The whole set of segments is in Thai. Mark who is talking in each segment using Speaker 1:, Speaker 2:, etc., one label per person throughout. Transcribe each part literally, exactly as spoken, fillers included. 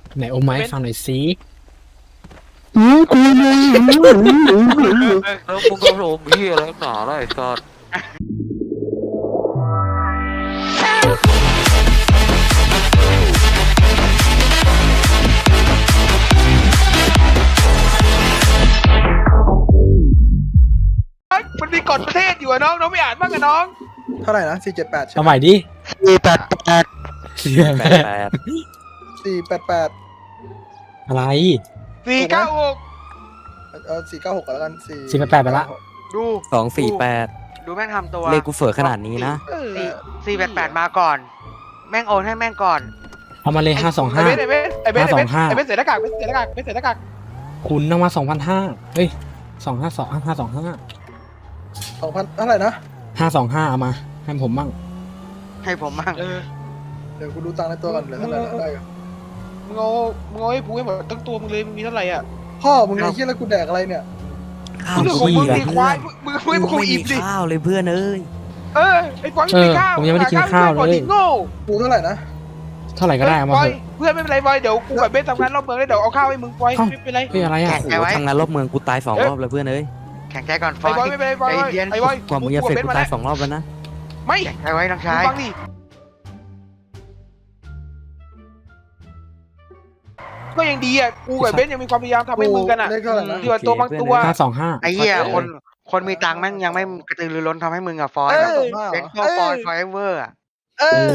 Speaker 1: ไหนโอไม้ฟังหน่อยสิ
Speaker 2: อือกูเลย
Speaker 3: แล้วมึงก็โรมเฮียอะไรหนาไรสัตว์
Speaker 4: มันมีกฎประเทศอยู่อะน้องน้องไม่อ่านบ้างอะน้อง
Speaker 2: เท่าไหร่นะสี่เจ็ดแปดใช่
Speaker 1: เอา
Speaker 2: ไห
Speaker 1: ให
Speaker 2: ม
Speaker 1: ม่ดิ
Speaker 2: สี่แปดแปด
Speaker 3: แปดแปด
Speaker 2: สี่แปดแปด
Speaker 1: อะไร
Speaker 4: สี่เก้าหก
Speaker 2: เออสี่เก้าหกแล้วกันสี่
Speaker 1: สี่แปดแปดไปละ
Speaker 5: ดู
Speaker 3: สองสี่แปด
Speaker 5: ดูแม่งทำตัว
Speaker 3: เลขกูเฝอขนาดนี้นะ
Speaker 4: เออ
Speaker 5: สี่สี่แปดแปดมาก่อน แม่งโอนให้แม่งก่อน
Speaker 1: เอามาเลยห้าสอง
Speaker 4: ไอ
Speaker 1: ห้า
Speaker 4: เบสไอเบสไอเบสไอเบส
Speaker 1: ห้าสองห้า
Speaker 4: ไอเบสเสียหน้ากากเบสเสียหน้ากากเบสเสียหน้ากาก
Speaker 1: คุณเอามาสองพันห้าเฮ้ยสองห้าสองห้าสองห้า
Speaker 2: สองพันเท่าไหร่นะ
Speaker 1: ห้าสองห้าเอามาให้ผมมั่ง
Speaker 5: ให้ผมมั่ง
Speaker 4: เออ
Speaker 2: เดี๋ยวกูดูตังค์ในตัวก่อนเหลือเท่าไหร่นะได้อยู่
Speaker 4: มึงเอามึงเอาให้พูให้หมดทั้งตัวมึงเลยมึงมีเท่าไหร่อ่ะ
Speaker 2: พ่อมึงไอ้เหี้ยแล้วกูแดกอะไรเนี่ย
Speaker 3: ข้าว
Speaker 4: เรื่องของ
Speaker 3: ขี้
Speaker 4: มึง
Speaker 3: อะ
Speaker 4: ดี
Speaker 3: เพื่
Speaker 4: ควา
Speaker 3: อย น
Speaker 4: มึงมึงไม่มึง
Speaker 3: กู
Speaker 4: คุย
Speaker 3: ไม่
Speaker 4: อิ่
Speaker 3: มี
Speaker 4: มดิ
Speaker 3: ข้าวเลยเพื่อนเอ้ย
Speaker 4: เออไอ้ฟอยไม่มีข้าว
Speaker 1: ผมยังไม่ได้กินข้าวเลย
Speaker 4: โง่
Speaker 2: กูเท่าไหร่นะ
Speaker 1: เท่าไหร่ก็ได้เอามา
Speaker 4: ฟอ
Speaker 1: เถ
Speaker 4: ย
Speaker 1: อะ
Speaker 4: เพื่อนไม่เป็นไรฟอยเดี๋ยวกูกับเบสทำงานรอบเมืองแล้วเดี๋ยวเอาข้าวให้มึงฟอย
Speaker 1: เอ้า
Speaker 4: ไม่เป็นไร
Speaker 1: เฮ้ยอะไรอ่ะ
Speaker 3: โอ้โหทำงานรอบเมืองกูตายสองรอบเลยเพื่อนเอ้ย
Speaker 5: แข็งใจก่อนฟ
Speaker 4: ไอ้
Speaker 5: อย
Speaker 4: ฟอยไม่เป็นไรฟอย
Speaker 5: ใจเย็น
Speaker 4: ไอ้ฟอย
Speaker 3: กว่ามึงจะเสร็จกูตายสองรอบแล้วนะ
Speaker 4: ไม่
Speaker 5: แข็งใจไว้น้อง
Speaker 4: มึ
Speaker 5: ชาง ย
Speaker 4: ฟังดิก็ยังดีอ่ะกูกับเบสยังมีความพยายามทำให้มึงกันอ่ะ
Speaker 2: เลขเท่าไหร่นะ
Speaker 4: ที่ว่าตัวบางตัว
Speaker 1: ห้าสองห้า
Speaker 5: ไอ้เหี้ย
Speaker 4: เออ
Speaker 5: คนคนมีตังค์แม่งยังไม่กระตือรือร้นทำให้มึงอะฟอย
Speaker 4: เออ
Speaker 2: สองห้า
Speaker 5: เป็นข้อฟอยฟอยเวอร์อะ
Speaker 4: เออ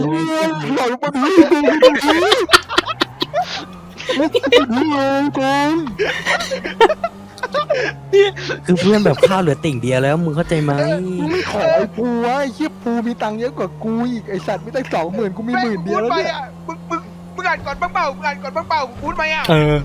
Speaker 3: คือเพื่อนแบบข้าวเหลือติ่งเดียวแล้วมึงเข้าใจไหม
Speaker 2: กูไม่ขอไอ้ภูวะไอ้เหี้ยภูมีตังค์เยอะกว่ากูอีกไอ้สัตว์ไม่ตั้งสองหมื่นกูมีหมื่นเดียวแล้ว
Speaker 4: พูไป
Speaker 2: เนี่ย
Speaker 4: อ่ะมึงมึงมึงอ่านก่อนบ้างเปล่ามึงอ่านก่อนบ้างเปล่ามึงพูดไปอ่ะ
Speaker 1: เออ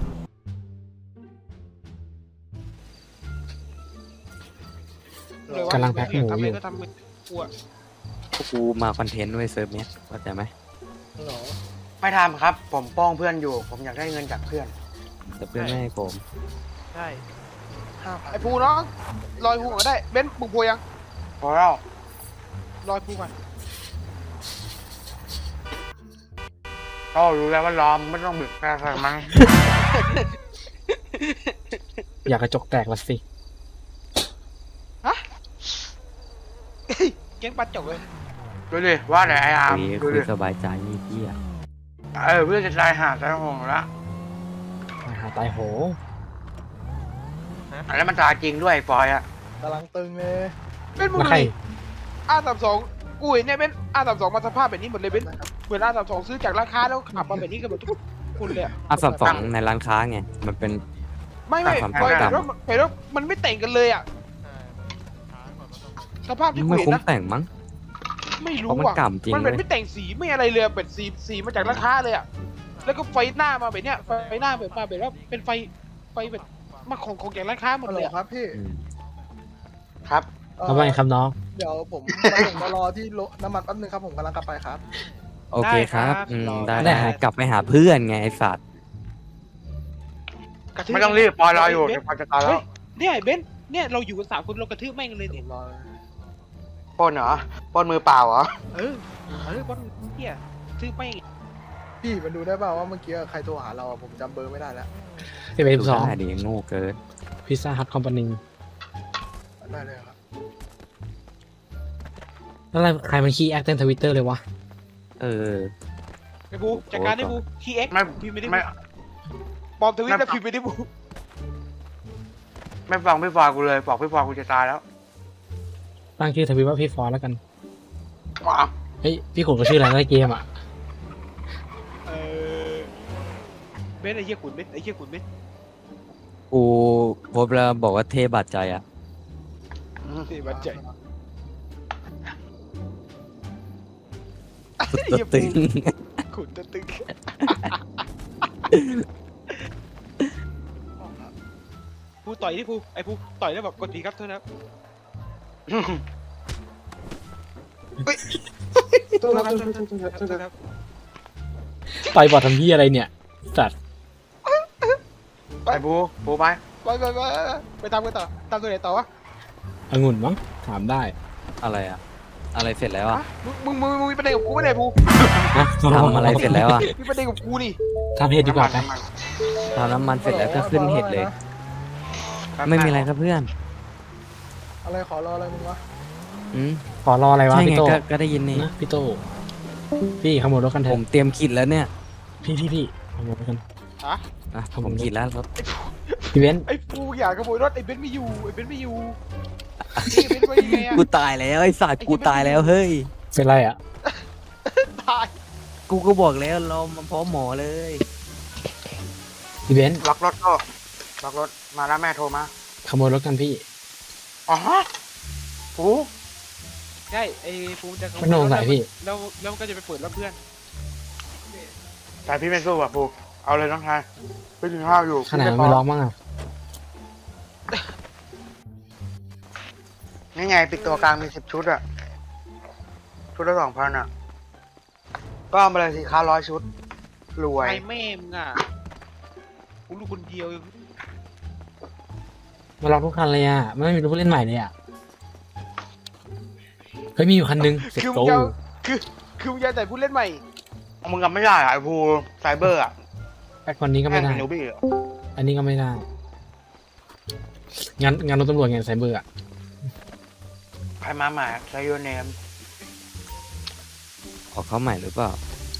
Speaker 1: กำลังแพ็คหมูอยู่
Speaker 4: ทำะไรก็ทำไปกูอ่ะ
Speaker 3: กูมาคอนเทนต์ไว้เซิร์ฟเนี้ยเข้าใจไหม
Speaker 2: เหรอ
Speaker 5: ไม่ทำครับ ผมป้องเพื่อนอยู่ ผมอยากได้เงินจากเพื่อน
Speaker 3: แต่เพื่อนไม่ให้ผม
Speaker 4: ใช่
Speaker 2: ห้าพัน
Speaker 4: ไอ้ภูน้องลอยภูก่อนได้เบนซ์มึงพูยัง
Speaker 5: พอแล้ว
Speaker 4: ลอยภูก่อน
Speaker 5: ก็รู้แล้วว่าล้อมไม่ต้องบึกแค่ใส่มัน
Speaker 1: อยากกระจกแตกละสิ
Speaker 4: เก่งปัดจบเลย
Speaker 5: ดูดิว่าแต่ไอ้อาร์ม
Speaker 3: คุย
Speaker 5: ดู
Speaker 3: คุย
Speaker 5: ดิ
Speaker 3: สบายใจนี่เหี้ย
Speaker 5: เออเพื่อนจะตายหาตายโหงละ
Speaker 1: ตายหาตายโห
Speaker 5: แล้วมันตายจริงด้วยฟอยอะ
Speaker 2: กำลังตึงเลย
Speaker 4: เบนซ์มึง
Speaker 1: แล้ว
Speaker 4: ดู
Speaker 1: ใคร
Speaker 4: ดิอาสามสองกูเห็นเนี่ยเบนซ์อาสามสองมาสภาพแบบนี้หมดเลยเบนซ์เหมือนอาสามสองซื้อจากร้านค้าแล้วขับมาแบบนี้กันหมดทุกคนเลยอะ
Speaker 3: อ่ะสับสองในร้านค้าไงมันเป็น
Speaker 4: ไม่ไม่
Speaker 3: ตาม
Speaker 4: เ
Speaker 3: ความ
Speaker 4: ห็น
Speaker 3: ตาม
Speaker 4: ว่าเห็นว่ามันไม่แต่งกันเลยอ่ะสภาพที่กู
Speaker 3: ไม่
Speaker 4: เห็น
Speaker 3: คุ้ม
Speaker 4: นะ
Speaker 3: แต่งมั้ง
Speaker 4: ไม่
Speaker 3: เพ
Speaker 4: รู้
Speaker 3: ราะมัน
Speaker 4: อ่ะ
Speaker 3: กำจริง
Speaker 4: มันเป็น
Speaker 3: เลย
Speaker 4: ไม่แต่งสีไม่อะไรเลยเป็นสีสีมาจากร้านค้าเลยอ่ะแล้วก็ไฟหน้ามาแบบเนี้ยไฟหน้าแบบมาแบบว่าเป็นไฟไฟแบบมาของของจากร้านค้าหมด
Speaker 2: ฮัลโห
Speaker 4: เล
Speaker 2: ล
Speaker 4: ยอะ
Speaker 2: ครับพี่
Speaker 3: อืม
Speaker 5: ครับ
Speaker 2: เอ่อ
Speaker 1: เอาไปครับน้อง
Speaker 2: เดี๋ยวผมผมมารอที่โลน้ำมันแป๊บนึงครับผมกำลังกลับไปครับ
Speaker 3: โอเคครับอืมได้
Speaker 1: ได้
Speaker 3: ได้กลับไปหาเพื่อนไงไอ้สัตว์
Speaker 4: กระทืบ
Speaker 5: ไม่ต้องรีบฟอยรออยู่
Speaker 4: เบ
Speaker 5: เดี๋ย
Speaker 4: น
Speaker 5: วฟอยจะตายแล้
Speaker 4: เฮ้
Speaker 5: วย
Speaker 4: เนี่ยไอ้เบนซ์เนี่ยเราอยู่กันสามคนเรากระทืบแม่งเลย
Speaker 2: ผ
Speaker 4: เนี่ย
Speaker 2: มรอ
Speaker 5: ปล้นเหรอปล้นมือเปล่าเหรอ
Speaker 4: เออเออบอลเฮียทืบแม่ง
Speaker 2: พี่มันดูได้เปล่าว่าเมื่อกี้ใครโทรหาเราอะผมจำเบอร์ไม่ได้แล้ว
Speaker 1: สิบเอ็ด
Speaker 3: ดู
Speaker 1: สอง
Speaker 3: ได้ดิโง่เกิน
Speaker 1: พิซซ่าฮัทคอมพานี
Speaker 2: ได้เลยครับ
Speaker 1: แล้วอะไรใครมันขี้แอคเต้นทวิตเตอร์เลยวะ
Speaker 3: เออ
Speaker 4: ไอ้บูจัดการได้บูทีเอ็ก
Speaker 5: ไม่
Speaker 4: พิมพ์ไม่ได้
Speaker 5: ไม่
Speaker 4: ปลอมทวิตแล้วพิมพ์ไม่ได้บู
Speaker 5: ไม่ฟังพี่ฟอยกูเลยบอกพี่ฟอยกูจะตายแล้ว
Speaker 1: ตั้งชื่อทวิตว่าพี่ฟอร์แล้วกัน
Speaker 5: ว้าว
Speaker 1: เฮ้ยพี่ขุนก็ชื่ออะไรในเกมอ่ะ
Speaker 4: เออเบนซ์ไอ้เหี้ยขุนเบนซ์ไอ้เหี้ยขุนเบนซ์
Speaker 3: กูพบแล้วบอกว่าเทบาดใจอ่ะ
Speaker 4: นี่มันใจ
Speaker 3: สุดตัวตึง
Speaker 4: ขุนตะตึงผู้ต่อยที่ผู้ไอ้ผู้ต่อยแล้วแบบกดทีครับเท่านั้นเฮ้ยโทษครับโทษครับโทษครับโทษครับ
Speaker 1: ต่อยบอดทำพี่อะไรเนี่ย สัตว์
Speaker 5: ไปบูบูไป
Speaker 4: ไปไปไปไปตามกันต่อตามตัวไหนต่อวะ
Speaker 1: องุ่นมั้งถามได้
Speaker 3: อะไรอ่ะ
Speaker 6: อะไรเสร็จแล้วอ่ะ
Speaker 4: มึงมึงมึงมึงมีประเด็นกับกูไม่ได้ภู
Speaker 1: นะ
Speaker 6: ทำอะไรเสร็จแล้วอ่ะ
Speaker 4: มีประเด็นกับกูนี่
Speaker 1: ทำเห็ดดีกว่าไป
Speaker 6: ทำน้ำมันเสร็จแล้วก็ขึ้นเห็ดเลย ไม่มีอะไรครับเพื่อน
Speaker 2: อะไรขอรออะไรมึงวะ
Speaker 6: อืม
Speaker 1: ขอรออะไรวะ
Speaker 6: ใช่
Speaker 1: พี่
Speaker 6: ไง
Speaker 1: โต
Speaker 6: ก็ก็ได้ยินนี่
Speaker 1: นะพี่โตพี่ขโมยรถกันเถ
Speaker 6: ผ
Speaker 1: อะ
Speaker 6: มเตรียมขีดแล้วเนี่ย
Speaker 1: พี่พี่พี่ขโมยรถกัน
Speaker 6: นะผมขีดแล้วครับ
Speaker 1: พี่เว้น
Speaker 4: ไอ้ภูอยากขโมยรถไอ้เบนซ์ไม่อยู่ไอ้เบนซ์ไม่อยู่นี่เบนซ์ไว้ยังไงอะ
Speaker 6: กูตายแล้วไอ้สัตว์กูตายแล้วเฮ้ย
Speaker 1: เป็นไรอ่ะ
Speaker 4: ตาย
Speaker 6: กูก็บอกแล้วเรามาพร้อมหมอเลย
Speaker 1: พี่เว้น
Speaker 5: ล็อกรถก็ล็อกรถมาแล้วแม่โทรมา
Speaker 1: ขโมยรถกันพี่
Speaker 5: อ๋อปู
Speaker 4: ใช่ไอ้ภูจะขโม
Speaker 1: ไม่
Speaker 4: ย
Speaker 1: โด
Speaker 4: ร
Speaker 1: น
Speaker 4: ถ
Speaker 1: ใส่พี่
Speaker 4: แล้วแล้วก็จะไปเปิดรถเพื่อน
Speaker 5: แต่พี่ไม่สู้อ่ะปูเอาเลยน้องชายไปกินข้าวอยู่
Speaker 1: ขนาดมันไม่ร้องมั้งอ่ะ
Speaker 5: นี่ไงปิดตัวกลางมีสิบชุดอ่ะชุดละสองพันอ่ะก็เอามาเลยสิค้าร้อยชุดรวย
Speaker 4: ไอ้แม่มึงอ่ะกูรู้คนเดียว
Speaker 1: มาลองทุกคันเลยอ่ะไม่มีรถผู้เล่นใหม่เลยอ่ะเฮ้ยมีอยู่คันนึงเสร็จ
Speaker 4: คือมึ
Speaker 1: โต
Speaker 4: งจะคือคือมึงจะแต่ผู้เล่นใหม่
Speaker 5: มึงกับไม่ได้อ่ะไอ้ภูไซเบอร์อ่ะ
Speaker 1: แค่คนนี้ก็ไม่ได้
Speaker 5: แงเป็นนูบี้อ่ะ
Speaker 1: อันนี้ก็ไม่ได้งานงานรถตำรวจไงไซเบอร์อ่ะ
Speaker 5: ใครมาใหม่ไซโยเนม
Speaker 6: ออกเข้าใหม่หรือเปล่า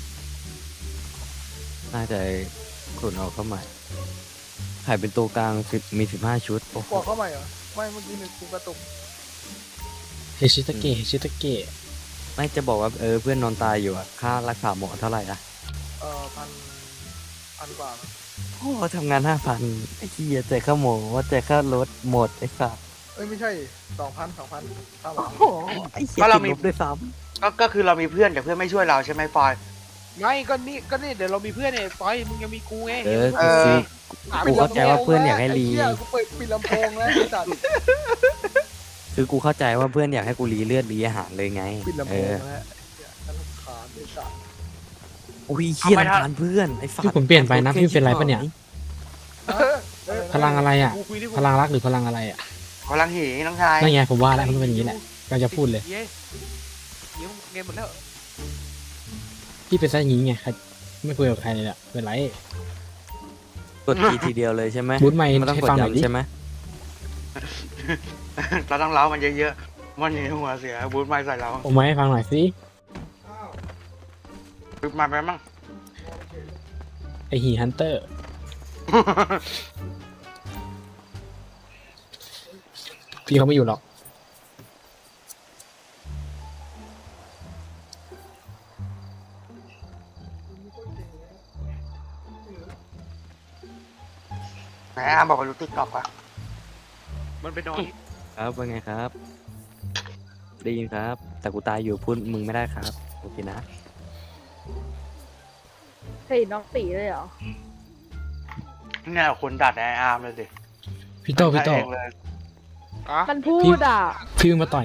Speaker 6: น่าจะขุนออกเข้าใหม่ขายเป็นตัวกลางสิบมีสิบห้าชุดโอ้โห
Speaker 2: บอกเข้าใหม่เหรอไม่เมื่อกี้หนึ่งกูกระตุก
Speaker 1: เฮชิตาเกะเฮชิตาเกะ
Speaker 6: ไม่จะบอกว่าเออเพื่อนนอนตายอยู่อะค่ารักษาหมอเท่าไหร่อะ
Speaker 2: เอ่อพันพันกว่ามั้ง
Speaker 6: โอ้ทำงานห้าพันไอ้เหี้ยแต่ค่าหมอว่าแต่ค่ารถหมดไอ้สัส
Speaker 2: เอ้ยไม่ใช่สองพันสองพันเท่าไหร่
Speaker 6: โอ้โหไอ้เหี้ยติดลบด้วยซ้
Speaker 5: ก็ก็คือเรามีเพื่อนแต่เพื่อนไม่ช่วยเราใช่ไหมฟอย
Speaker 4: ไม่ก็นี่ก็นี่เดี๋ยวเรามีเพื่อนเนี่ยปอยมึงยังมีกูไง
Speaker 6: ำเออ
Speaker 5: เอ
Speaker 6: กู
Speaker 5: อ
Speaker 6: ซื้อ
Speaker 4: หา
Speaker 6: กู
Speaker 4: ไม่
Speaker 6: เข้าใจว่าเพื่อนอยากให้รี
Speaker 2: ไเหี้ยกูเปิดปิดลำโพงแล้วไอ้สัตว์
Speaker 6: คือกูเข้าใจว่าเพื่อนอยากให้กูรีเลือดรีอาหารเลยไง
Speaker 2: ปิดลำ
Speaker 6: เอ
Speaker 2: โพง
Speaker 6: อ
Speaker 2: แล้วไอ้เหี้ยฉันรำคาญไอ้สัตว์
Speaker 6: โอ้ยเหี้ยรำคาญเพื่อนไอ้สัส
Speaker 1: พี่ผมเปลี่ยนไปนะพี่เป็นไรปะเนี่ย
Speaker 2: เออเออ
Speaker 1: พลังอะไรอ่ะ
Speaker 4: กูคุยดิ
Speaker 1: พลังรักหรือพลังอะไรอ่ะ
Speaker 5: พลังหีน้องชาย
Speaker 1: นั่นไงผมว่าแล้วมันเป็นอย่างนี้แหละก็จะพูดเลย
Speaker 4: เย้เดี๋ยวเกมหมดแล้ว
Speaker 1: พี่เป็นซะอย่างนี้ไงใครไม่คุยกับใครเลยอ่ะเป็นไร
Speaker 6: กดทีทีเดียวเลยใช่ไหม
Speaker 1: บูทไมค์
Speaker 6: ไม่ต้อง
Speaker 1: ให้
Speaker 6: กด
Speaker 1: ฟังหน่อยดิ
Speaker 6: ย้ำใช่ไหม
Speaker 5: เราต้องเล้ามันเยอะๆมันหนีหัวเสียบูทไม้ใส่เรา
Speaker 1: โอ้ไม้ให้ฟังหน่อยสิ
Speaker 5: บูทไม้ไปมั่ง
Speaker 1: ไอหีฮันเตอร์พี่เขาไม่อยู่หรอก
Speaker 5: ไหนอาบอกว่ารู้ติ๊กต็อกอะ
Speaker 4: มันไปนอน
Speaker 6: ครับว่าไงครับ ได้ยินครับ แต่กูตายอยู่พูดมึงไม่ได้ครับโอเคนะ
Speaker 7: เฮ้ยน้องตีเลยเหรอ
Speaker 5: เนี่ยคนดัดไออาร์มเลยสิ
Speaker 1: พี่โตพี่โต
Speaker 5: เองเลย
Speaker 4: อ่ะ
Speaker 7: มันพูดอ่ะ
Speaker 1: พี่เพิ่งมาต่อย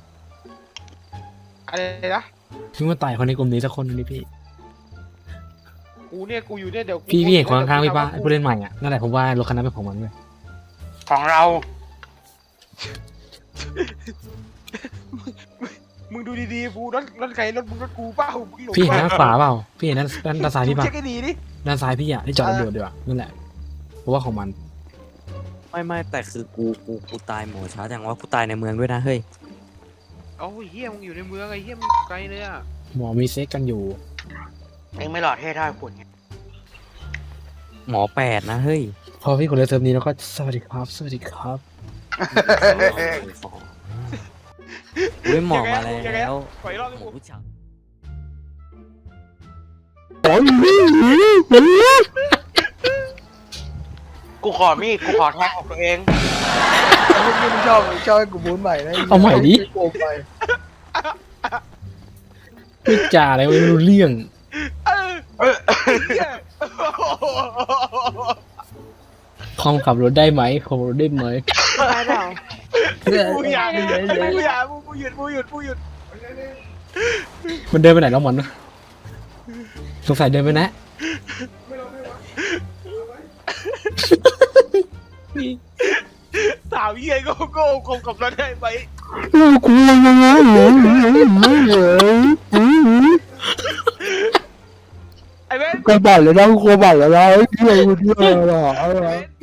Speaker 4: อะไรนะ
Speaker 1: พี่เพิ่งมาต่อยคนในกลุ่มนี้สักคนนึงดิพี่
Speaker 4: กูเนี่ยกูอยู่เนี่ยเดี๋ยวกู
Speaker 1: พี่พี่เห็นคนข้างๆพี่ป้าไอ้ผู้เล่นใหม่อ่ะนั่นแหละผมว่ารถคันนั้นเป็นของมันเลย
Speaker 5: ของเรา
Speaker 4: มึงดูดีๆกูรถรถใครรถมึงรถกูเปล่ามึงหลง
Speaker 1: พี่เห็น
Speaker 4: ป
Speaker 1: ด้านขวาเปล่าพี่เห็นด้านด้านด้านซ้ายพี่ป่ะ
Speaker 4: เช็คให้ดีดิ
Speaker 1: ด้านซ้ายพี่อ่ะที่จอดตำรวจดีกว่านั่นแหละเพราะว่าของมัน
Speaker 6: ไม่ไม่แต่คือกูกูกูตายหมอช้าจังว่ากูตายในเมืองด้วยนะเฮ้ย
Speaker 4: โอ้ยเฮียมึงอยู่ในเมืองไอ้เฮียมึงไกลเลยอ่ะ
Speaker 1: หมอมีเซ็กกันอยู่
Speaker 5: เองไม่หล่อเท่เท่าฝุ่นไง
Speaker 6: หมอแปดนะเฮ้ย
Speaker 1: พอพี่คนเลยเซิร์ฟนี้แล้วก็สวัสดีครับสวัสดีครับ
Speaker 6: เว้ยหมอมาแล้ว
Speaker 4: ขออีกรอบ
Speaker 6: ห
Speaker 4: นึง
Speaker 6: มอ
Speaker 4: กู
Speaker 6: ผู้ชาย
Speaker 5: กูขอมีดกูขอแทงของตัวเอง
Speaker 2: มึงไม่ชอบมึงชอบให้กูบูนใหม่นะ
Speaker 1: เอาใหม่ดิ
Speaker 2: โกงไป
Speaker 1: พูดจาอะไรไม่รู้เรื่อง
Speaker 4: เออ
Speaker 5: เออ
Speaker 4: เฮีย
Speaker 1: คอมขับรถได้ไหมขับรถได้ไหม
Speaker 7: ได้เปล่า
Speaker 4: กูอยากกูอยากกูหยุดกูหยุดกูหยุด
Speaker 1: มันเดินไปไหนแล้วมันสงสัยเดินไปนะ
Speaker 4: สาวเฮียก็โก้คงกับรถได้ไหม
Speaker 2: กูยังไง
Speaker 4: ไอ้เว้น
Speaker 2: กระบาดแล้วนะกระบาดแล้วนะเที่ยวเที่ยวอะไร